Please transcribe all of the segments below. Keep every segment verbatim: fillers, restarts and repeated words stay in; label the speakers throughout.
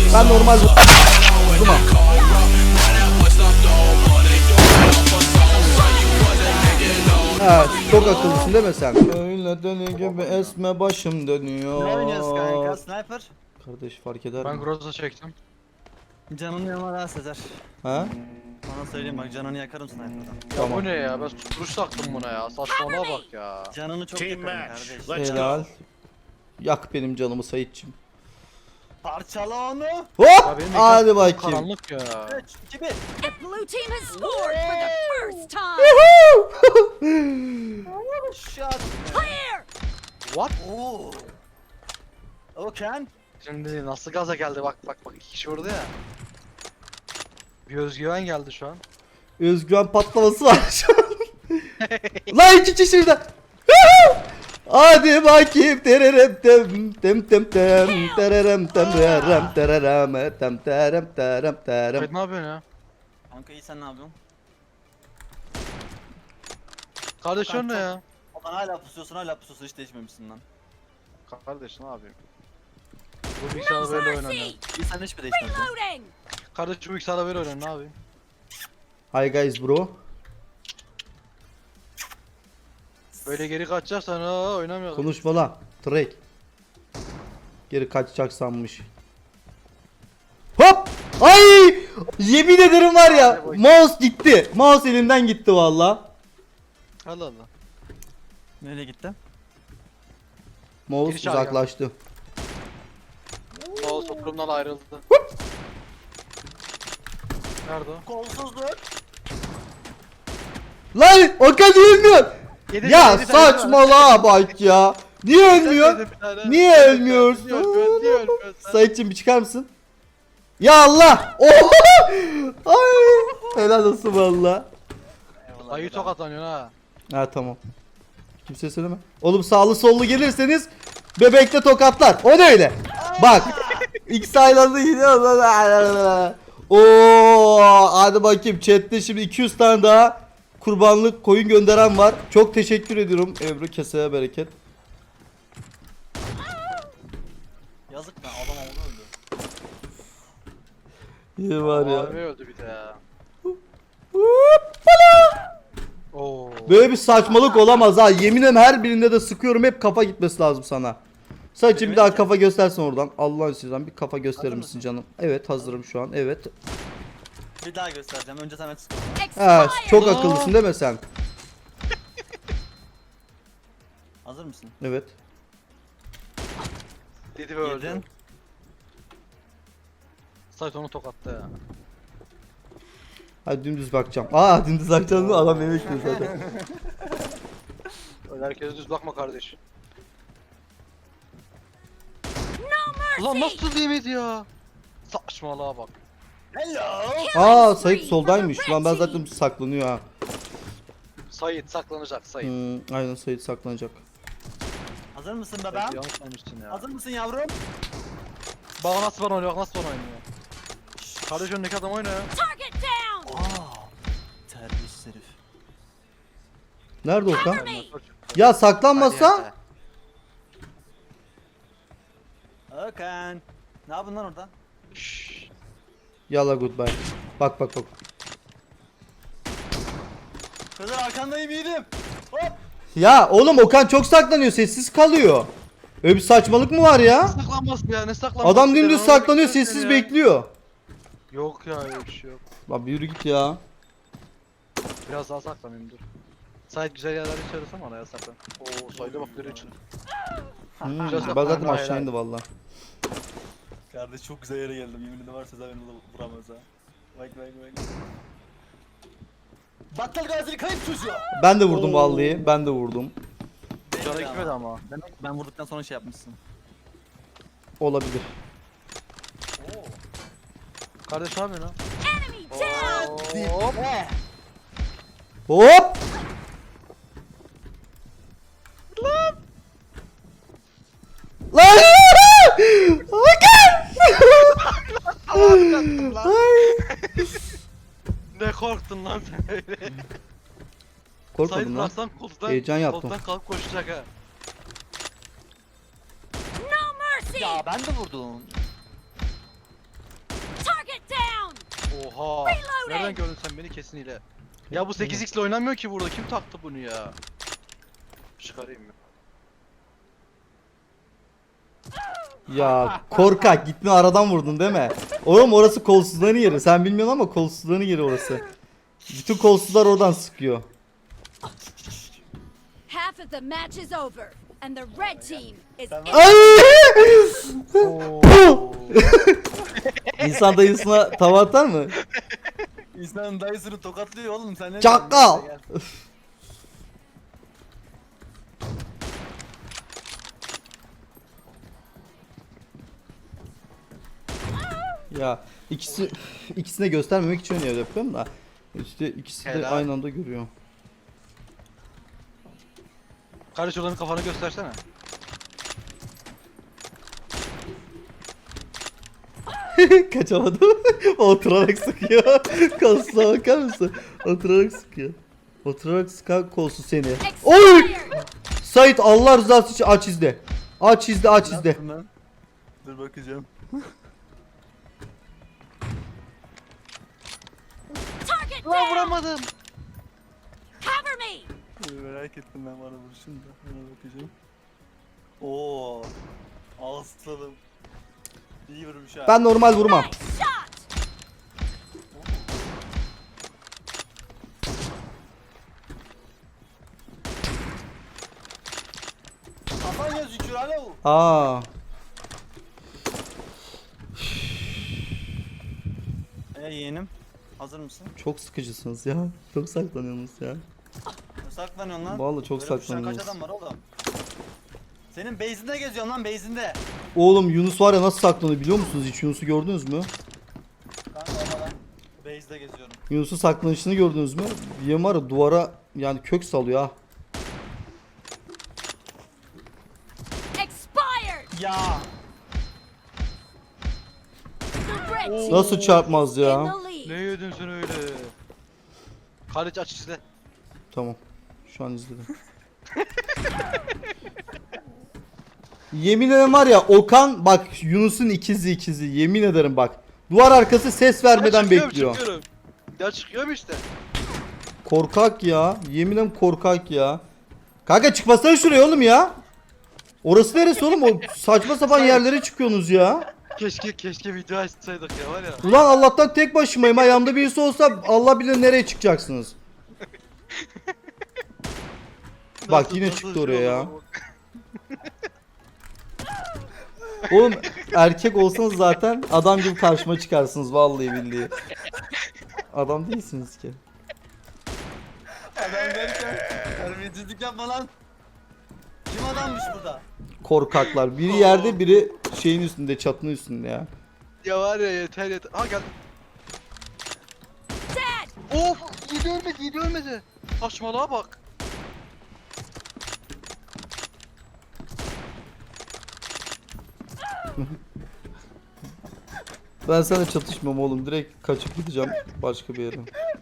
Speaker 1: Ben normal vurdum. Ha, çok akıllısın değil mi sen? Öyle dönüyor gibi esme başım dönüyor.
Speaker 2: Ne oynuyorsun kanka? Sniper?
Speaker 1: Kardeş fark eder
Speaker 3: Ben
Speaker 1: mi?
Speaker 3: Groza çektim.
Speaker 2: Canını yanına Sezer.
Speaker 1: Ha?
Speaker 2: Bana söyleyeyim bak, canını yakarım sniper'dan.
Speaker 3: Ya
Speaker 1: Tamam.
Speaker 3: bu ne ya? Ben duruş taktım buna ya. Saçmalığa bak ya.
Speaker 2: Canını çok
Speaker 4: Team
Speaker 2: yakarım
Speaker 4: match.
Speaker 2: kardeş.
Speaker 4: Let's
Speaker 1: Helal.
Speaker 4: go.
Speaker 1: Yak benim canımı Saitçim.
Speaker 2: Parçala onu.
Speaker 1: Hop!
Speaker 3: Ya benim ekran
Speaker 1: Hadi bakayım.
Speaker 3: karanlık ya.
Speaker 2: üç, iki, bir.
Speaker 5: The blue team has scored for the first time.
Speaker 2: Shot.
Speaker 5: Clear.
Speaker 3: What?
Speaker 2: Oo. Oken.
Speaker 3: Şimdi nasıl gaza geldi bak bak bak iki kişi vurdu ya. Bir özgüven geldi şu an.
Speaker 1: Özgüven patlaması var şu an. Lan iki kişi şurada. Hadi bakayım tererem tem tem tem tem tererem tem tererem tererem tem terem terem terem.
Speaker 3: Evet, ne yapıyorsun ya?
Speaker 2: Kanka iyi, sen ne yapıyorsun?
Speaker 3: Kardeş o ne ya?
Speaker 2: Ulan hala pusuyorsun hala pusuyorsun, hiç değişmemişsin lan.
Speaker 3: Kardeş ne yapayım? Bu bilgisayarda böyle oynanıyor.
Speaker 5: Mercy.
Speaker 2: İyi, sen hiçbir değişmedin.
Speaker 5: Reloading.
Speaker 3: Kardeş bu bilgisayarda böyle oynanıyor, ne yapayım?
Speaker 1: Hi guys bro.
Speaker 3: Böyle geri kaçacaksan ha oynamıyor.
Speaker 1: Konuşma lan. Trek. Geri kaçacak sanmış. Hop! Ay! Yemin ederim var ya. Mouse gitti. Mouse elimden gitti valla.
Speaker 3: Allah Allah.
Speaker 2: Nereye gitti?
Speaker 1: Mouse
Speaker 3: Geri çağır
Speaker 1: uzaklaştı.
Speaker 3: Mouse oturumdan ayrıldı. Nerede o?
Speaker 2: Kolsuzluk.
Speaker 1: Lan Okan niye ölmüyor?
Speaker 3: Yedi
Speaker 1: Ya
Speaker 3: tane, yedi tane,
Speaker 1: saçmalığa bak ya. Niye ölmüyor?
Speaker 3: Yedi tane.
Speaker 1: Niye
Speaker 3: Yedi tane.
Speaker 1: ölmüyorsun?
Speaker 3: Niye ölmüyorsun? Niye ölmüyorsun?
Speaker 1: Saitçim bir çıkar mısın? Ya Allah! Oha! Ay! Helal olsun valla.
Speaker 3: Ayı tokatlanıyorsun ha.
Speaker 1: Ha tamam. Kimse söyleme. Oğlum sağlı sollu gelirseniz bebekte tokatlar. O ne öyle? Bak. İkisi aynı anda gidiyor. Oo, hadi bakayım chatte şimdi iki yüz tane daha kurbanlık koyun gönderen var. Çok teşekkür ediyorum Ebru, keseye bereket.
Speaker 2: Yazık lan, adam oldu öldü.
Speaker 1: İyi var ya.
Speaker 3: Harbi öldü bir de ya. Oo.
Speaker 1: Böyle bir saçmalık olamaz ha. Yemin ederim her birinde de sıkıyorum, hep kafa gitmesi lazım sana. Saçım bir daha kafa göstersin oradan. Allah'ın sizden bir kafa gösterir
Speaker 2: Hazır
Speaker 1: misin
Speaker 2: mısın?
Speaker 1: canım? Evet hazırım şu an. Evet.
Speaker 2: Bir daha göstereceğim. Önce sen aç.
Speaker 1: Ha,
Speaker 5: Expired.
Speaker 1: çok akıllısın değil mi sen?
Speaker 2: Hazır mısın?
Speaker 1: Evet.
Speaker 3: Dedi ve öldü.
Speaker 2: Yedin.
Speaker 3: Sait onu tokattı ya.
Speaker 1: Hadi dümdüz bakacağım. Aa dümdüz bakacağım mı? Adam yemek yiyor zaten.
Speaker 3: Öyle herkese düz bakma kardeş.
Speaker 5: No
Speaker 3: Ulan
Speaker 5: mercy.
Speaker 3: nasıl yemedi ya? Saçmalığa bak.
Speaker 2: Hello.
Speaker 1: Aa Sait soldaymış. Lan ben zaten saklanıyor ha.
Speaker 3: Sait saklanacak Sait.
Speaker 1: Hmm, aynen Sait saklanacak.
Speaker 2: Hazır mısın
Speaker 3: Sait
Speaker 2: bebeğim?
Speaker 3: yanlış oynamışsın ya.
Speaker 2: Hazır mısın yavrum?
Speaker 3: Bak nasıl bana oynuyor, bak nasıl bana oynuyor. Kardeş önündeki adam oynuyor.
Speaker 5: Target down.
Speaker 2: Aa. Terbiyesiz herif.
Speaker 1: Nerede Okan?
Speaker 5: Me.
Speaker 1: Ya saklanmasa?
Speaker 2: Oken. Ne yapıyorsun lan orada?
Speaker 3: Şşş.
Speaker 1: Yalla goodbye. Bak bak bak.
Speaker 2: Kızlar arkandayım, yiğidim. Hop.
Speaker 1: Ya oğlum Okan çok saklanıyor, sessiz kalıyor. Öyle bir saçmalık mı var ya?
Speaker 3: Saklanmaz ya, ne saklanmaz?
Speaker 1: Adam dümdüz saklanıyor, sessiz bekliyor.
Speaker 3: Yok ya, öyle bir şey yok.
Speaker 1: Lan bir yürü git ya.
Speaker 3: Biraz daha saklanayım dur. Sait güzel yerler içerisinde ama araya saklan. Oo Sait'e bak nereye çıktı.
Speaker 1: Hmm,
Speaker 3: Biraz
Speaker 1: ben zaten
Speaker 3: saklan,
Speaker 1: aşağı
Speaker 3: hayır,
Speaker 1: indi valla.
Speaker 2: Kardeş çok güzel yere geldim. Yemin ederim var, Sezer beni de vuramaz ha. Bak bak bak. Battal gazili kayıp çocuğu.
Speaker 1: Ben de vurdum
Speaker 3: Oo.
Speaker 1: vallahi. Ben de vurdum.
Speaker 3: Canı gitmedi ama.
Speaker 2: Demek ben vurduktan sonra şey yapmışsın.
Speaker 1: Olabilir.
Speaker 3: Kardeş ne yapıyorsun lan?
Speaker 5: Enemy down.
Speaker 3: Hop.
Speaker 1: Hop! Lan! Okan!
Speaker 3: Ne korktun lan sen öyle? Sait
Speaker 1: Korkmadım lan.
Speaker 3: bıraksan koltuktan,
Speaker 1: Heyecan yaptım.
Speaker 3: koltuktan kalkıp koşacak ha.
Speaker 5: No mercy.
Speaker 2: Ya ben de vurdum.
Speaker 3: Oha. Nereden gördün sen beni kesin hile. Ya bu sekiz x ile oynamıyor ki burada. Kim taktı bunu ya? Çıkarayım ya.
Speaker 1: Ya korkak gitme aradan vurdun değil mi? Oğlum orası kolsuzların yeri. Sen bilmiyorsun ama kolsuzların yeri orası. Bütün kolsuzlar oradan sıkıyor.
Speaker 5: Half of the match is over, and the red team is in.
Speaker 1: Ay! İnsan dayısına tava atar mı?
Speaker 2: İnsanın dayısını tokatlıyor oğlum sen ne
Speaker 1: Çakal!
Speaker 2: diyorsun? Gel.
Speaker 1: Ya ikisi ikisine göstermemek için öyle yapıyorum da işte ikisi de
Speaker 3: Helal.
Speaker 1: aynı anda görüyor.
Speaker 3: Kardeş olanın kafanı göstersene.
Speaker 1: Kaçamadım. Oturarak sıkıyor. Kolsuza bakar mısın? Oturarak sıkıyor. Oturarak sıkan kolsuz seni. Oy!
Speaker 5: Expired.
Speaker 1: Sait Allah rızası için aç izle. Aç izle aç
Speaker 2: Ne
Speaker 1: izle.
Speaker 2: yaptın lan? Dur bakacağım.
Speaker 5: Target
Speaker 3: Lan
Speaker 5: down.
Speaker 3: vuramadım.
Speaker 5: Cover me.
Speaker 2: Dur, merak ettim ben bana vuruşun da. Ona bakacağım. Oo. Aslanım. İyi vurmuş ha.
Speaker 1: Ben normal vurmam.
Speaker 5: Nice shot.
Speaker 2: Kafan gözüküyor alo.
Speaker 1: Aa.
Speaker 2: E yeğenim. Hazır mısın?
Speaker 1: Çok sıkıcısınız ya. Çok saklanıyorsunuz ya.
Speaker 2: Ne saklanıyorsun lan?
Speaker 1: Vallahi çok
Speaker 2: Böyle koşan
Speaker 1: saklanıyoruz.
Speaker 2: Kaç adam var oğlum? Senin base'inde geziyorsun lan base'inde.
Speaker 1: Oğlum Yunus var ya nasıl saklanıyor biliyor musunuz? Hiç Yunus'u gördünüz mü?
Speaker 2: Kanka ama lan. Base'de geziyorum.
Speaker 1: Yunus'un saklanışını gördünüz mü? Yem var ya duvara yani kök salıyor ha.
Speaker 5: Expired.
Speaker 2: Ya.
Speaker 5: The red team
Speaker 1: Nasıl çarpmaz
Speaker 5: in
Speaker 1: ya?
Speaker 5: the lead.
Speaker 3: Ne yedin sen öyle? Kardeş aç izle.
Speaker 1: Tamam. Şu an izledim. Yemin ederim var ya Okan bak Yunus'un ikizi ikizi yemin ederim bak. Duvar arkası ses vermeden
Speaker 3: Ya çıkıyorum,
Speaker 1: bekliyor.
Speaker 3: Çıkıyorum. Ya çıkıyorum işte.
Speaker 1: Korkak ya. Yemin ederim korkak ya. Kanka çıkmasana şuraya oğlum ya. Orası neresi oğlum? O saçma sapan yerlere çıkıyorsunuz ya.
Speaker 3: Keşke keşke video açsaydık ya var ya.
Speaker 1: Ulan Allah'tan tek başımayım. Ha yanımda birisi olsa Allah bilir nereye çıkacaksınız. Bak
Speaker 3: Nasıl-
Speaker 1: yine
Speaker 3: nasıl
Speaker 1: çıktı
Speaker 3: şey
Speaker 1: oraya ya.
Speaker 3: oldu bu?
Speaker 1: Oğlum erkek olsanız zaten adam gibi karşıma çıkarsınız vallahi billahi. Adam değilsiniz ki.
Speaker 2: Adam derken terbiyesizlik yapma lan. Kim adammış burada?
Speaker 1: Korkaklar. Biri yerde biri şeyin üstünde çatının üstünde ya.
Speaker 3: Ya var ya yeter yeter. Ha geldim.
Speaker 5: Dead.
Speaker 3: Of yedi ölmedi yedi ölmedi. Saçmalığa bak.
Speaker 1: Ben sana çatışmam oğlum. Direkt kaçıp gideceğim başka bir yere.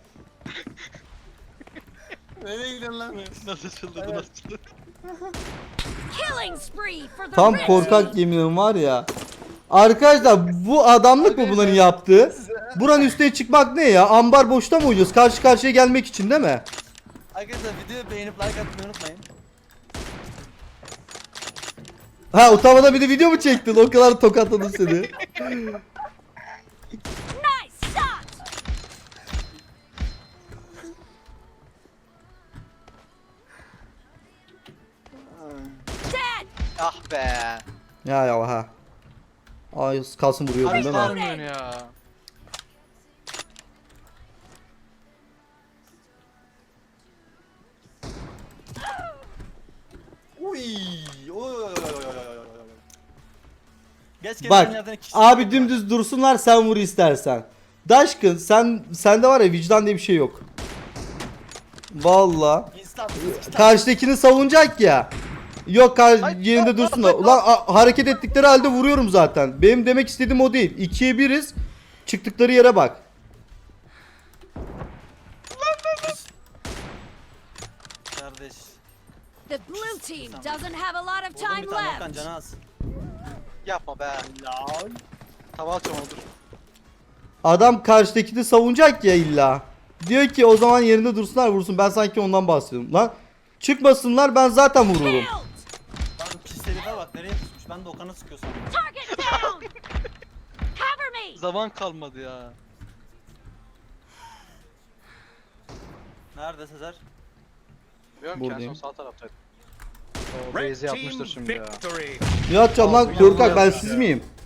Speaker 2: Nereye gidiyorsun lan?
Speaker 3: Nasıl çıldırdı nasıl çıldırdı.
Speaker 5: Killing spree for the
Speaker 1: Tam
Speaker 5: red
Speaker 1: korkak
Speaker 5: team.
Speaker 1: yeminim var ya. Arkadaşlar bu adamlık mı bunların yaptığı? Buranın üstüne çıkmak ne ya? Ambar boşta mı oynuyoruz? Karşı karşıya gelmek için değil mi?
Speaker 2: Arkadaşlar videoyu beğenip like atmayı unutmayın.
Speaker 1: Ha utanmadan bir de video mu çektin? O kadar tokatladım seni.
Speaker 5: Nice shot. Dead.
Speaker 3: Ah be.
Speaker 1: Ya ya ha. Ay kalsın vuruyordun
Speaker 3: Abi
Speaker 1: değil mi?
Speaker 3: sarmıyorsun ya.
Speaker 2: Uy. Oy oy oy oy oy oy oy oy. Geç gelen
Speaker 1: Bak
Speaker 2: yerden iki
Speaker 1: abi
Speaker 2: kişi
Speaker 1: dümdüz dursunlar sen vur istersen. Daşkın sen sende var ya vicdan diye bir şey yok. Valla.
Speaker 2: var. İnsan.
Speaker 1: Karşıdakini savunacak ya. Yok kar
Speaker 3: Ay,
Speaker 1: yerinde
Speaker 3: ay,
Speaker 1: dursunlar.
Speaker 3: ay,
Speaker 1: Ulan a- hareket ettikleri halde vuruyorum zaten. Benim demek istediğim o değil. İkiye biriz. Çıktıkları yere bak.
Speaker 2: Kardeş.
Speaker 5: The blue team doesn't have a lot of
Speaker 2: Vurdum
Speaker 5: time
Speaker 2: bir tane Okan
Speaker 5: left.
Speaker 2: canı az.
Speaker 3: Yapma be.
Speaker 2: Lan.
Speaker 3: Tava atacağım onu dur.
Speaker 1: Adam karşıdakini savunacak ya illa. Diyor ki o zaman yerinde dursunlar vursun. Ben sanki ondan bahsediyorum. Lan çıkmasınlar ben zaten vururum.
Speaker 5: Killed.
Speaker 2: Lan pis herifler bak nereye pusmuş. Ben de Okan'a sıkıyor sandım.
Speaker 5: Target down. Cover me.
Speaker 3: Zaman kalmadı ya.
Speaker 2: Nerede Sezer?
Speaker 3: Bilmiyorum ki en
Speaker 1: Buradayım.
Speaker 3: son sağ taraftaydı. O base'i yapmıştır şimdi ya.
Speaker 1: Ne atacağım lan
Speaker 3: Abi,
Speaker 1: korkak ben
Speaker 3: yapmış
Speaker 1: siz
Speaker 3: ya.
Speaker 1: miyim?